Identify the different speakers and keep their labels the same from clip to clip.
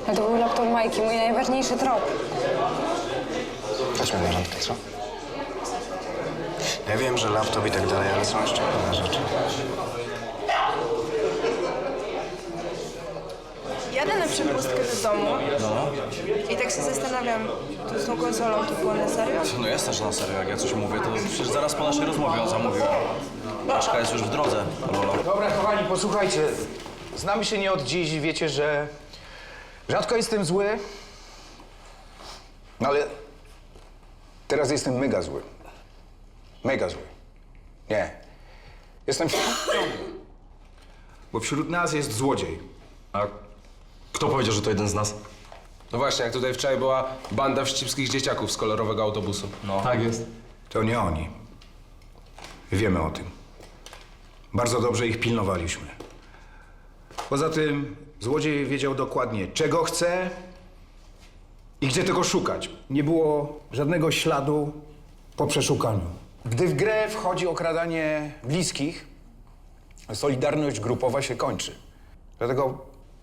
Speaker 1: No to był laptop Majki, mój najważniejszy trop.
Speaker 2: Weźmy na randkę, co? Ja wiem, że laptop i tak dalej, ale są jeszcze inne rzeczy.
Speaker 3: Jadę na przepustkę do domu i tak się zastanawiam, to z tą konsolą to było na serio?
Speaker 4: No jasne, że na serio. Jak ja coś mówię, to przecież zaraz po naszej rozmowie ją zamówiłem. Paczka jest już w drodze, Lola.
Speaker 5: Dobra, kochani, posłuchajcie. Znamy się nie od dziś i wiecie, że rzadko jestem zły, ale teraz jestem mega zły. Mega zły. Nie. Jestem bo wśród nas jest złodziej.
Speaker 4: A kto powiedział, że to jeden z nas?
Speaker 6: No właśnie, jak tutaj wczoraj była banda wścibskich dzieciaków z kolorowego autobusu.
Speaker 4: No. Tak jest.
Speaker 5: To nie oni. Wiemy o tym. Bardzo dobrze ich pilnowaliśmy. Poza tym złodziej wiedział dokładnie, czego chce i gdzie tego szukać. Nie było żadnego śladu po przeszukaniu. Gdy w grę wchodzi okradanie bliskich, solidarność grupowa się kończy. Dlatego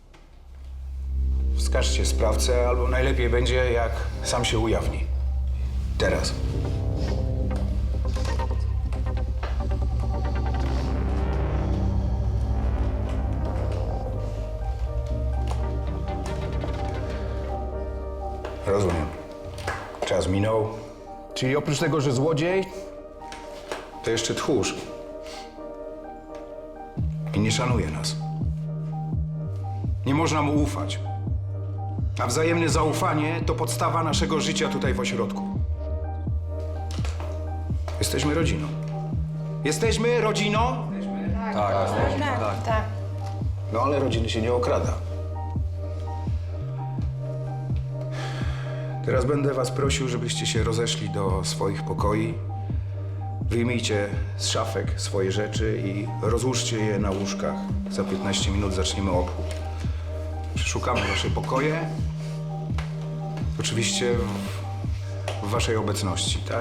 Speaker 5: wskażcie sprawcę, albo najlepiej będzie, jak sam się ujawni. Teraz. Rozumiem. Czas minął. Czyli oprócz tego, że złodziej, to jeszcze tchórz. I nie szanuje nas. Nie można mu ufać. A wzajemne zaufanie to podstawa naszego życia tutaj w ośrodku. Jesteśmy rodziną. Jesteśmy rodziną?
Speaker 3: Tak.
Speaker 5: No ale rodziny się nie okrada. Teraz będę was prosił, żebyście się rozeszli do swoich pokoi. Wyjmijcie z szafek swoje rzeczy i rozłóżcie je na łóżkach. Za 15 minut zaczniemy obchód. Przeszukamy wasze pokoje. Oczywiście w waszej obecności, tak?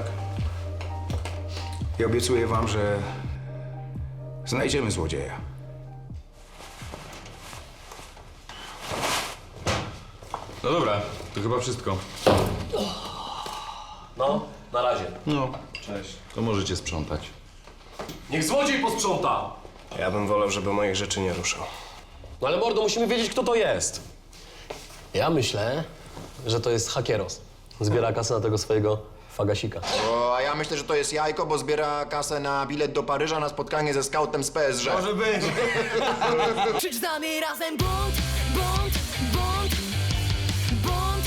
Speaker 5: I obiecuję wam, że znajdziemy złodzieja.
Speaker 6: No dobra, to chyba wszystko.
Speaker 7: No, na razie.
Speaker 4: No, cześć. To możecie sprzątać.
Speaker 7: Niech złodziej posprząta!
Speaker 2: Ja bym wolał, żeby moich rzeczy nie ruszał.
Speaker 7: No ale mordo, musimy wiedzieć, kto to jest. Ja myślę, że to jest hakieros. Zbiera kasę na tego swojego fagasika.
Speaker 8: O, a ja myślę, że to jest jajko, bo zbiera kasę na bilet do Paryża na spotkanie ze skautem z PSG.
Speaker 5: Może być.
Speaker 9: Krzycz z nami razem bunt, bunt, bunt, bunt.